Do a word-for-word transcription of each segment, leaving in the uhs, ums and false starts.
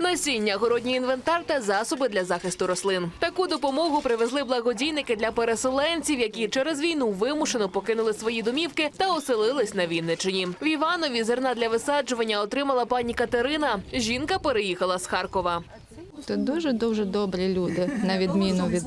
Насіння, городній інвентар та засоби для захисту рослин. Таку допомогу привезли благодійники для переселенців, які через війну вимушено покинули свої домівки та оселились на Вінниччині. В Іванові зерна для висаджування отримала пані Катерина. Жінка переїхала з Харкова. Тут дуже-дуже добрі люди, на відміну від,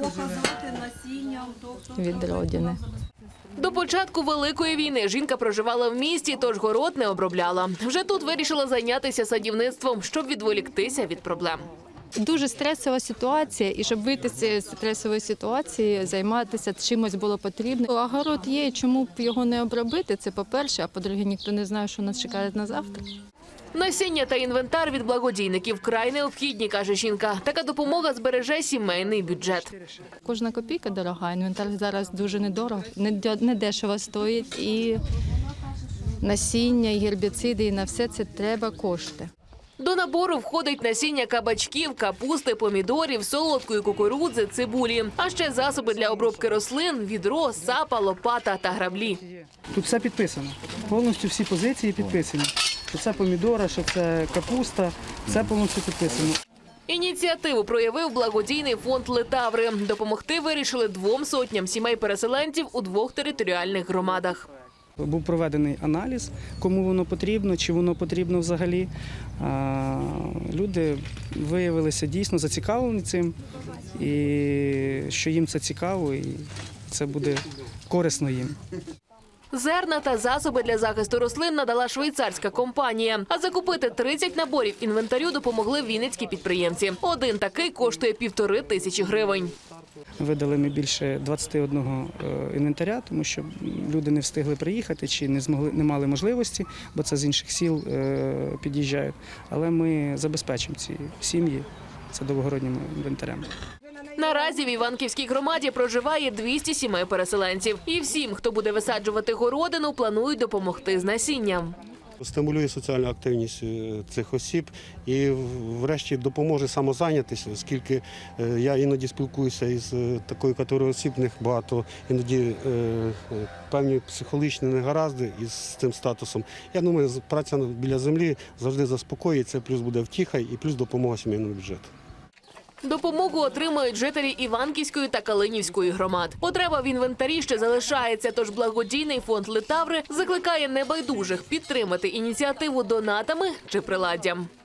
від родини. До початку Великої війни жінка проживала в місті, тож город не обробляла. Вже тут вирішила зайнятися садівництвом, щоб відволіктися від проблем. Дуже стресова ситуація, і щоб вийти з цієї стресової ситуації, займатися чимось було потрібно. А город є, чому б його не обробити, це по-перше, а по-друге, ніхто не знає, що нас чекає на завтра. Насіння та інвентар від благодійників край необхідні, каже жінка. Така допомога збереже сімейний бюджет. Кожна копійка дорога, інвентар зараз дуже недорого, недешево стоїть. І насіння, і гербіциди, і на все це треба кошти. До набору входить насіння кабачків, капусти, помідорів, солодкої кукурудзи, цибулі. А ще засоби для обробки рослин, відро, сапа, лопата та граблі. Тут все підписано. Повністю всі позиції підписані. Що це помідора, що це капуста, все повністю підписано. Ініціативу проявив благодійний фонд «Литаври». Допомогти вирішили двом сотням сімей-переселенців у двох територіальних громадах. Був проведений аналіз, кому воно потрібно, чи воно потрібно взагалі. Люди виявилися дійсно зацікавлені цим, і що їм це цікаво, і це буде корисно їм. Зерна та засоби для захисту рослин надала швейцарська компанія. А закупити тридцять наборів інвентарю допомогли вінницькі підприємці. Один такий коштує півтори тисячі гривень. Видали ми більше двадцяти одного інвентаря, тому що люди не встигли приїхати чи не змогли, не мали можливості, бо це з інших сіл під'їжджають. Але ми забезпечимо ці сім'ї це довгороднім інвентарем. Наразі в Іванківській громаді проживає двісті сімей переселенців. І всім, хто буде висаджувати городину, планують допомогти з насінням. Стимулює соціальну активність цих осіб і врешті допоможе самозайнятися, оскільки я іноді спілкуюся із такою категорією осіб, в них багато іноді певні психологічні негаразди із цим статусом. Я думаю, праця біля землі завжди заспокоїться, плюс буде втіха і плюс допомога сімейному бюджету. Допомогу отримають жителі Іванківської та Калинівської громад. Потреба в інвентарі ще залишається, тож благодійний фонд «Литаври» закликає небайдужих підтримати ініціативу донатами чи приладдям.